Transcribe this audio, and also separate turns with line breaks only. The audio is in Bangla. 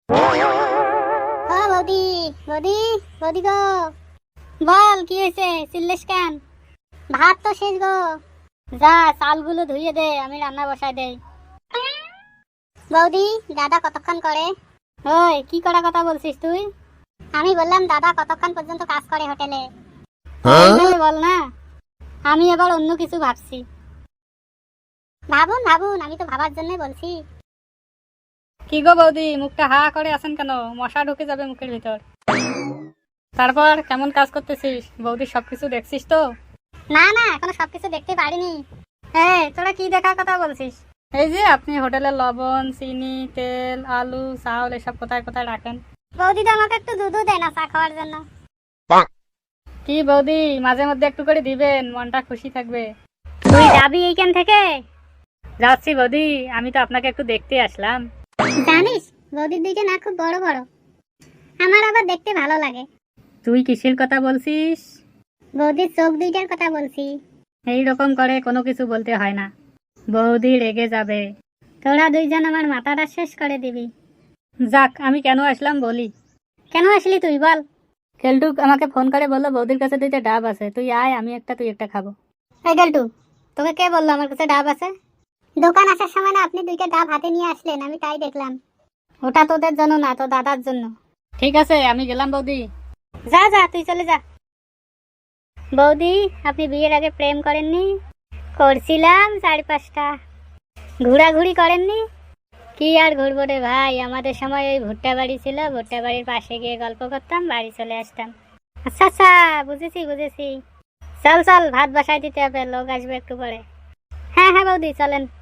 ও বৌদি, বৌদি, বৌদি গো, বল কি হয়েছে? চিল্লিস কেন? ভাত তো শেষ গো। যা চালগুলো ধুইয়ে দে, আমি রান্না বসাই দেই। বৌদি, দাদা কতক্ষণ করে? ওই কি করা কথা বলছিস তুই? আমি বললাম দাদা কতক্ষণ পর্যন্ত কাজ করে হোটেলে। বল না, আমি এবার অন্য কিছু ভাবছি। ভাবুন ভাবুন, আমি তো ভাবার জন্য বলছি।
কি গো বৌদি, মুখটা হা করে আছেন কেন? মশা ঢুকে যাবে মুখের ভিতর। তারপর কেমন কাজ করতেছিস? বৌদি সবকিছু দেখছিস তো?
না না, এখনো সবকিছু দেখতে পারিনি।
এই তোরা কি দেখার কথা বলছিস? এই যে আপনি হোটেলের লবণ, চিনি, তেল, আলু, চাউল এসব কোথায় কোথায় রাখেন?
বৌদি তো আমাকে একটু দুধও দেয় না চা খাওয়ার জন্য।
কি বৌদি, মাঝে মধ্যে একটু করে দিবেন, মনটা খুশি থাকবে।
তুই যাবি এইখান থেকে?
যাচ্ছি বৌদি, আমি তো আপনাকে একটু দেখতে আসলাম।
জানিস বৌদির দিকে না খুব বড় বড়, আমার আবার দেখতে ভালো লাগে।
তুই কিসের কথা বলছিস?
বৌদির চোখ দুইটার কথা বলছি।
এই রকম করে কোনো কিছু বলতে হয় না, বৌদি রেগে যাবে।
তোরা দুইজন আমার মাথাটা শেষ করে দিবি।
যাক, আমি কেন আসলাম বলি।
কেন আসলি তুই বল?
কেলটুক আমাকে ফোন করে বললো বৌদির কাছে দুইটা ডাব আছে, তুই আয়, আমি একটা তুই একটা খাবো।
এই গেলটু, তোকে কে বললো আমার কাছে ডাব আছে? দোকান আসার সময় না আপনি দুইটা ডাব হাতে নিয়ে আসলেন, আমি তাই দেখলাম। ওটা তোদের জন্য না, তো দাদার জন্য।
ঠিক আছে, আমি গেলাম বৌদি।
যা যা, তুই চলে যা। বৌদি, আপনি বিয়ের আগে প্রেম করেননি? করছিলাম 4-5টা। ঘোরাঘুরি করেননি? কি আর ঘুরবো রে ভাই, আমাদের সময় ওই ভুট্টা বাড়ি ছিল, ভুট্টা বাড়ির পাশে গিয়ে গল্প করতাম, বাড়ি চলে আসতাম। আচ্ছা আচ্ছা, বুঝেছি বুঝেছি। চল চল, ভাত বসাই দিতে হবে, লোক আসবে একটু পরে। হ্যাঁ হ্যাঁ বৌদি, চলেন।